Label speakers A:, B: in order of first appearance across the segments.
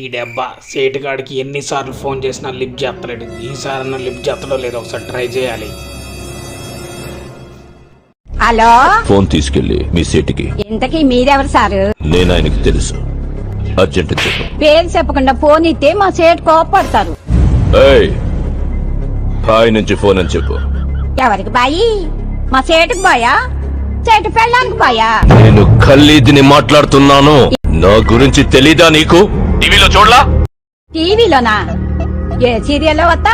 A: డబ్బా సేటుగాడికి ఎన్నిసార్లు ఫోన్ చేసినా లిఫ్ట్ చేస్తలేడు. ఈసారి లిఫ్ట్ చేస్తడో లేదో ఒకసారి ట్రై చేయాలి.
B: హలో,
C: ఫోన్ తీసుకెళ్లి మీ సీటుకి.
B: ఇంతకీ మీరెవరు సారు?
C: నేను ఆయనకి తెలుసు. అర్జెంట్ చెప్పు.
B: పేరు చెప్పకుండా ఫోన్ ఇస్తే మా సేటు కోపడతారు.
C: ఏయ్, బాయ్ నుంచి ఫోన్ అని చెప్పు.
B: ఎవరికి బాయి? మా సేటుకు బాయా? సేటు పెళ్ళానికి బాయా?
C: నేను ఖల్లీదిని మాట్లాడుతున్నాను. నా గురించి తెలీదా నీకు? టీవీలో చూడలా?
B: టీవీలోనా? ఏ సీరియల్లో వస్తా?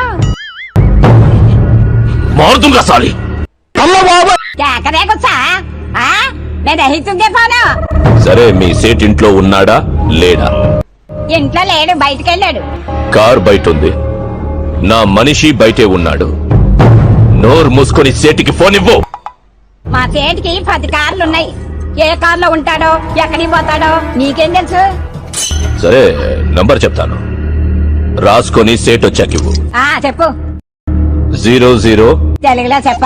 C: మారుతుంగా సాలి.
B: కేకరేకొచ్చా? నేను రహితుంగే ఫోను.
C: సరే, మీ సేట్ ఇంట్లో ఉన్నాడా లేడా?
B: ఇంట్లో లేడు, బయటకెళ్ళాడు.
C: కార్ బయట ఉంది. నా మనిషి బయటే ఉన్నాడు. నోరు మూసుకొని సేటికి ఫోన్ ఇవ్వు.
B: మా సేటికి 10 కార్లున్నాయి. ఏ కార్లో ఉంటాడో ఎక్కడికి పోతాడో నీకేం తెలుసు?
C: సరే, నంబర్ చెప్తాను, రాసుకొని సేట్ వచ్చాక ఇవ్వు.
B: చెప్పు.
C: 00
B: తెలుగులో చెప్ప.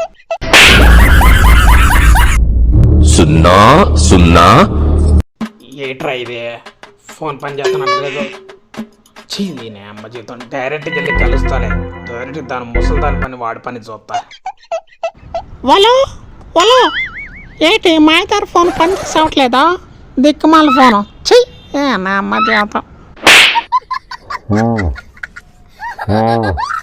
C: 00.
A: ఏట్రా ఇదే ఫోన్ పని చేస్తున్నట్లేదు. చీది నే అమ్మ జీతం. డైరెక్ట్కి వెళ్ళి కలుస్తాలే. డైరెక్ట్ దాని ముసలి దాని పని వాడి పని చూస్తా.
D: వాళ్ళు ఏంటి మా ఇద్దరు ఫోన్ పని చేసవట్లేదా? దిక్కుమాల ఫోను. చెయ్యి నా అమ్మ జీతం.